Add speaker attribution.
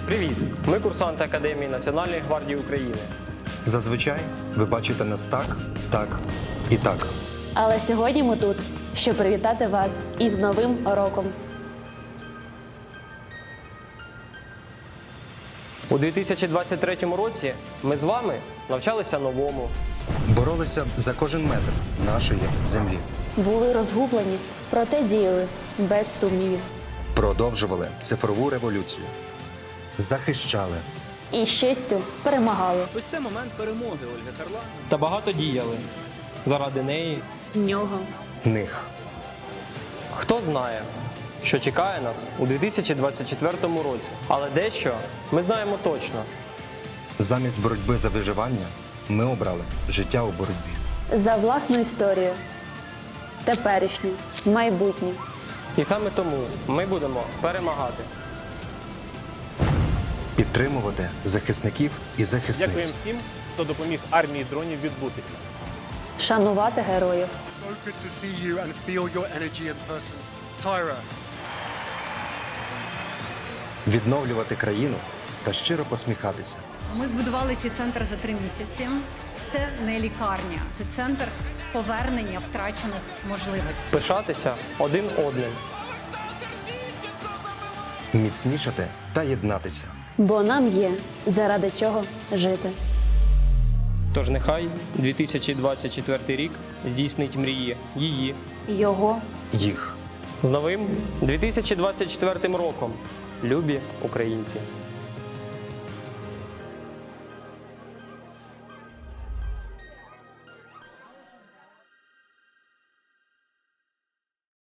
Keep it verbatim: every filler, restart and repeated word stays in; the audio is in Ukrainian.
Speaker 1: Привіт! Ми курсанти Академії Національної гвардії України.
Speaker 2: Зазвичай ви бачите нас так, так і так.
Speaker 3: Але сьогодні ми тут, щоб привітати вас із Новим роком.
Speaker 1: У дві тисячі двадцять третьому році ми з вами навчалися новому.
Speaker 2: Боролися за кожен метр нашої землі.
Speaker 3: Були розгублені, проте діяли без сумнівів.
Speaker 2: Продовжували цифрову революцію. Захищали.
Speaker 3: І з честю перемагали.
Speaker 4: Ось це момент перемоги Ольги Харлан.
Speaker 1: Та багато діяли. Заради неї.
Speaker 3: Нього.
Speaker 2: Них.
Speaker 1: Хто знає, що чекає нас у дві тисячі двадцять четвертому році. Але дещо ми знаємо точно.
Speaker 2: Замість боротьби за виживання ми обрали життя у боротьбі.
Speaker 3: За власну історію. Теперішнє. Майбутнє.
Speaker 1: І саме тому ми будемо перемагати.
Speaker 2: Підтримувати захисників і захисниць.
Speaker 5: Дякуємо всім, хто допоміг армії дронів відбутися.
Speaker 3: Шанувати героїв.
Speaker 6: So good to see you and feel your energy in person. Tyra.
Speaker 2: Відновлювати країну та щиро посміхатися.
Speaker 7: Ми збудували цей центр за три місяці. Це не лікарня, це центр повернення втрачених можливостей.
Speaker 1: Пишатися один одним.
Speaker 2: Міцнішати та єднатися.
Speaker 3: Бо нам є заради чого жити.
Speaker 1: Тож нехай дві тисячі двадцять четвертий рік здійснить мрії її.
Speaker 3: Його.
Speaker 2: Їх.
Speaker 1: З новим дві тисячі двадцять четвертим роком, любі українці!